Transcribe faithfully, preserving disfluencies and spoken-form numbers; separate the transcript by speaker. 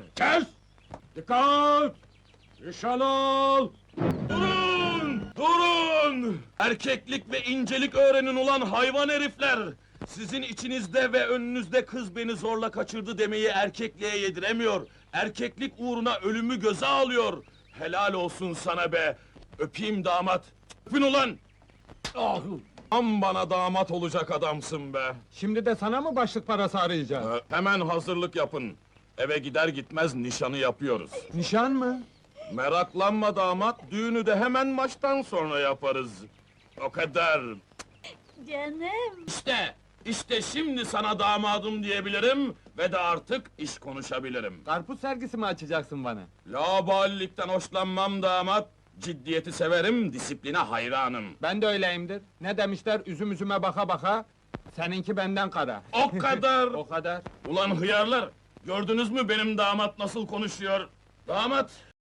Speaker 1: Kes! Dikkat! Nişan al!
Speaker 2: Durun! Durun! Erkeklik ve incelik öğrenin ulan hayvan herifler! Sizin içinizde ve önünüzde kız beni zorla kaçırdı demeyi erkekliğe yediremiyor. Erkeklik uğruna ölümü göze alıyor. Helal olsun sana be! Öpeyim damat! Öpün ulan!
Speaker 1: Ah!
Speaker 2: Am bana damat olacak adamsın be!
Speaker 1: Şimdi de sana mı başlık parası arayacağız?
Speaker 2: Ee, Hemen hazırlık yapın. Eve gider gitmez nişanı yapıyoruz.
Speaker 1: Nişan mı?
Speaker 2: Meraklanma damat, düğünü de hemen maçtan sonra yaparız. O kadar.
Speaker 3: Canım.
Speaker 2: İşte, işte şimdi sana damadım diyebilirim ve de artık iş konuşabilirim.
Speaker 1: Karpuz sergisi mi açacaksın bana?
Speaker 2: Laubalilikten hoşlanmam damat, ciddiyeti severim, disipline hayranım.
Speaker 1: Ben de öyleyimdir. Ne demişler, üzüm üzüme baka baka, seninki benden kara.
Speaker 2: O kadar!
Speaker 1: O kadar.
Speaker 2: Ulan hıyarlar, gördünüz mü benim damat nasıl konuşuyor? Damat,